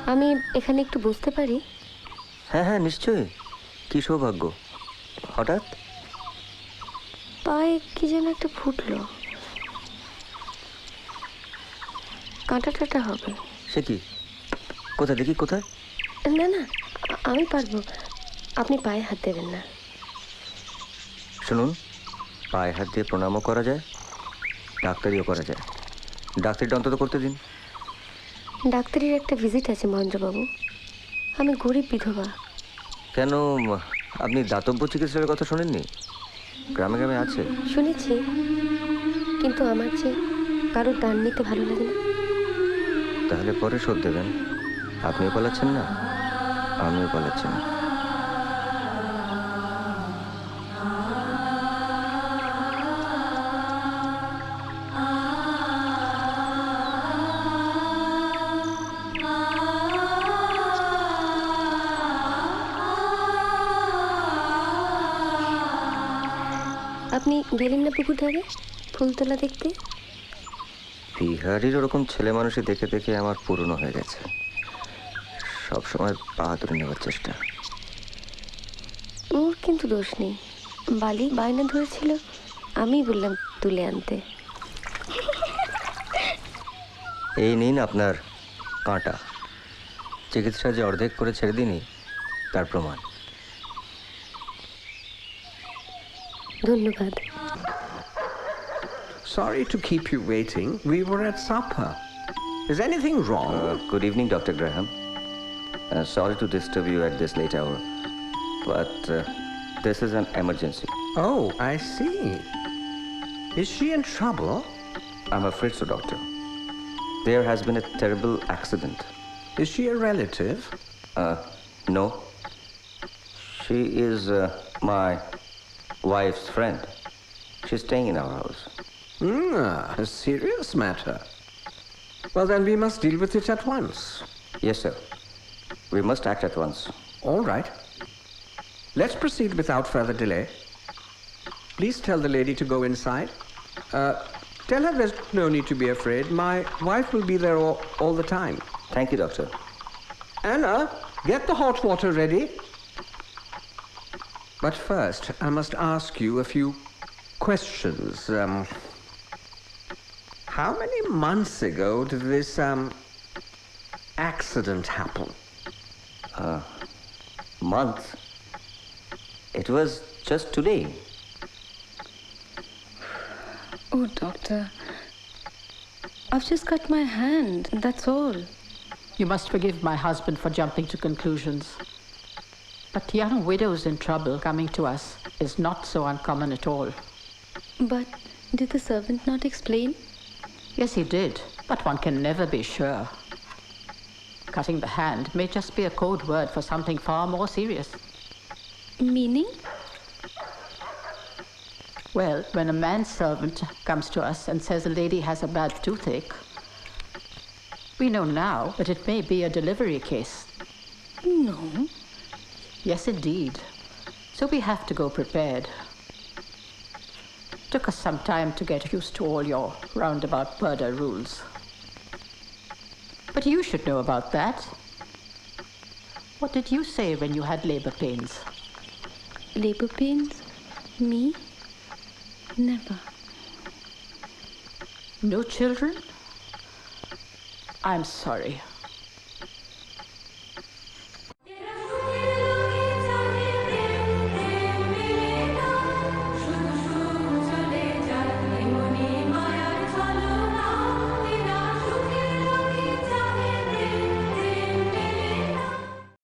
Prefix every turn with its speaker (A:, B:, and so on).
A: আমি এখানে একটু বুঝতে পারি?
B: হ্যাঁ হ্যাঁ নিশ্চয়ই। কি সৌভাগ্য! হঠাৎ
A: পায়ে কি যেন একটা ফুটলো, কাঁটা টাটা হবে।
B: সে কি? কোথায় দেখি, কোথায়?
A: না না, আমি পারবো, আপনি পায়ে হাত দেবেন না।
B: শুনুন, পায়ে হাত দিয়ে প্রণামও করা যায়, ডাক্তারিও করা যায়। ডাক্তারিটা অন্তত করতে দিন।
A: ডাক্তারের একটা ভিজিট আছে মহেন্দ্রবাবু, আমি গরিব বিধবা।
B: কেন, আপনি দাতব্য চিকিৎসার কথা শোনেননি? গ্রামে গ্রামে আছে।
A: শুনেছি, কিন্তু আমার যে কারোর দান নিতে ভালো লাগে না।
B: তাহলে পরে শোধ দেবেন। আপনিও পালাচ্ছেন না, আমিও পালাচ্ছি না।
A: আপনি গেলেন না পুকুর ধারে ফুলতলা দেখতে?
B: বিহারির ওরকম ছেলে মানুষই দেখে দেখে আমার পুরনো হয়ে গেছে। সবসময় বাহাদুরি নেওয়ার চেষ্টা।
A: ওর কিন্তু দোষ নেই, বালি বায়না ধরেছিল, আমি বললাম তুলে আনতে।
B: এই নিন আপনার কাঁটা। চিকিৎসা যে অর্ধেক করে ছেড়ে দিনই তার প্রমাণ।
A: ধন্যবাদ।
C: Sorry to keep you waiting. We were at supper. Is anything wrong?
B: Good evening, Dr. Graham. Sorry to disturb you at this late hour, but this is an emergency.
C: Oh, I see. Is she in trouble?
B: I'm afraid so, doctor. There has been a terrible accident.
C: Is she a relative?
B: No. She is my wife's friend. She's staying in our house.
C: A serious matter. Well, then we must deal with it at once.
B: Yes, sir. We must act at once.
C: All right. Let's proceed without further delay. Please tell the lady to go inside. Tell her there's no need to be afraid. My wife will be there all the time.
B: Thank you, doctor.
C: Anna, get the hot water ready. But first, I must ask you a few questions. How many months ago did this accident happen?
B: Month? It was just today.
A: Oh, doctor, I've just cut my hand, that's all.
D: You must forgive my husband for jumping to conclusions. But young widows in trouble coming to us is not so uncommon at all.
A: But did the servant not explain?
D: Yes, he did, but one can never be sure. Cutting the hand may just be a code word for something far more serious.
A: Meaning?
D: Well, when a manservant comes to us and says a lady has a bad toothache, we know now that it may be a delivery case.
A: No.
D: Yes, indeed. So we have to go prepared. Took us some time to get used to all your roundabout murder rules. But you should know about that. What did you say when you had labor pains?
A: Labor pains? Me? Never.
D: No children? I'm sorry.